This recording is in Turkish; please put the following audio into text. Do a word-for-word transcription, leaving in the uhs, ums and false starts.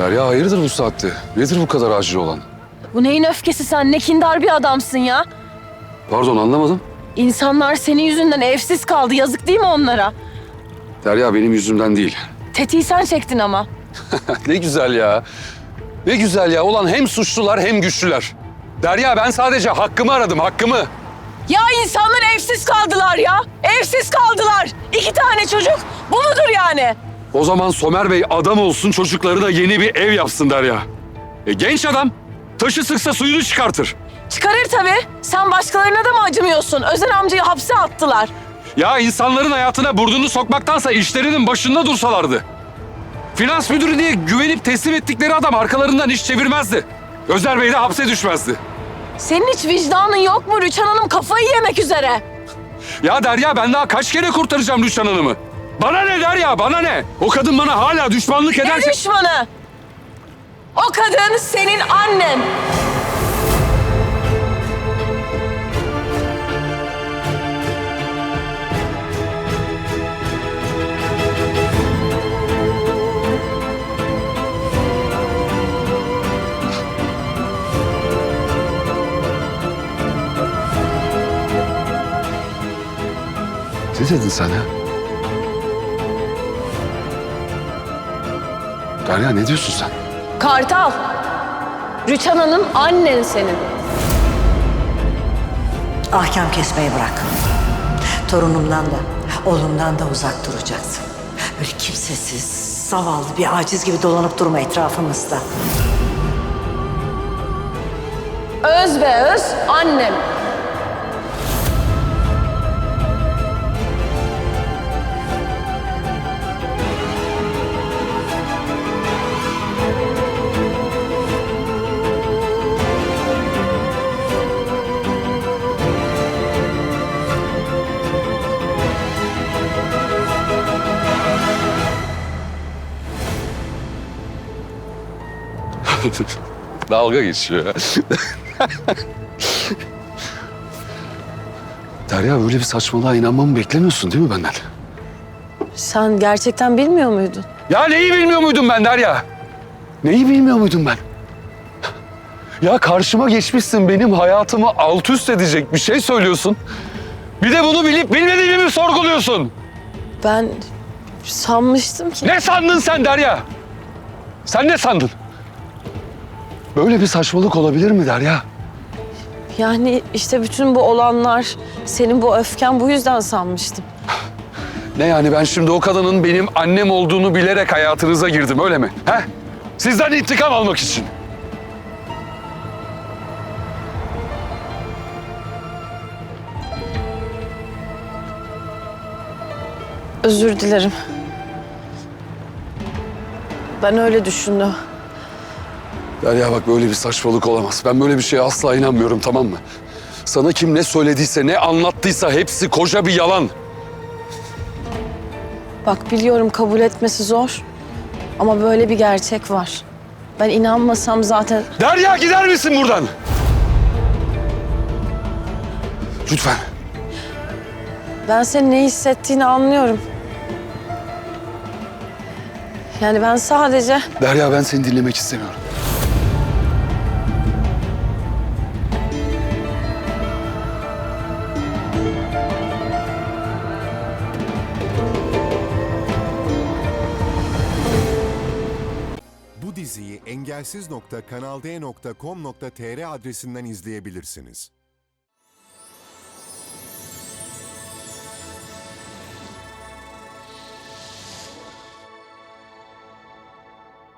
Derya hayırdır bu saatte? Nedir bu kadar acil olan? Bu neyin öfkesi sen? Ne kindar bir adamsın ya. Pardon anlamadım. İnsanlar senin yüzünden evsiz kaldı. Yazık değil mi onlara? Derya benim yüzümden değil. Tetiği sen çektin ama. Ne güzel ya. Ne güzel ya. Ulan hem suçlular hem güçlüler. Derya ben sadece hakkımı aradım, hakkımı. Ya insanlar evsiz kaldılar ya. Evsiz kaldılar. İki tane çocuk. Bu mudur yani? O zaman Somer Bey adam olsun, çocuklarına yeni bir ev yapsın Derya. E, genç adam. Taşı sıksa suyunu çıkartır. Çıkarır tabii. Sen başkalarına da mı acımıyorsun? Özen amcayı hapse attılar. Ya insanların hayatına burnunu sokmaktansa işlerinin başında dursalardı. Finans müdürü diye güvenip teslim ettikleri adam arkalarından iş çevirmezdi. Özer Bey de hapse düşmezdi. Senin hiç vicdanın yok mu? Rüçhan Hanım kafayı yemek üzere. Ya Derya ben daha kaç kere kurtaracağım Rüçhan Hanım'ı? Bana ne Derya, bana ne? O kadın bana hala düşmanlık Ne ederse... düşmanı? O kadın senin annen. Ne dedin sen ya? Derya ne diyorsun sen? Kartal. Rüçhan Hanım annen senin. Ahkam kesmeyi bırak. Torunumdan da, oğlumdan da uzak duracaksın. Böyle kimsesiz, zavallı bir aciz gibi dolanıp durma etrafımızda. Öz be öz annem. Dalga geçiyor ya. Derya böyle bir saçmalığa inanmamı beklemiyorsun değil mi benden? Sen gerçekten bilmiyor muydun? Ya neyi bilmiyor muydum ben Derya? Neyi bilmiyor muydum ben? Ya karşıma geçmişsin, benim hayatımı alt üst edecek bir şey söylüyorsun. Bir de bunu bilip bilmediğimi mi sorguluyorsun? Ben sanmıştım ki... Ne sandın sen Derya? Sen ne sandın? Böyle bir saçmalık olabilir mi Derya? Yani işte bütün bu olanlar, senin bu öfken bu yüzden sanmıştım. Ne yani ben şimdi o kadının benim annem olduğunu bilerek hayatınıza girdim öyle mi? He? Sizden intikam almak için. Özür dilerim. Ben öyle düşündüm. Derya bak böyle bir saçmalık olamaz. Ben böyle bir şeye asla inanmıyorum tamam mı? Sana kim ne söylediyse, ne anlattıysa hepsi koca bir yalan. Bak biliyorum kabul etmesi zor. Ama böyle bir gerçek var. Ben inanmasam zaten... Derya gider misin buradan? Lütfen. Ben senin ne hissettiğini anlıyorum. Yani ben sadece... Derya ben seni dinlemek istemiyorum. Bu diziyi engelsiz nokta kanal d nokta com nokta tr adresinden izleyebilirsiniz.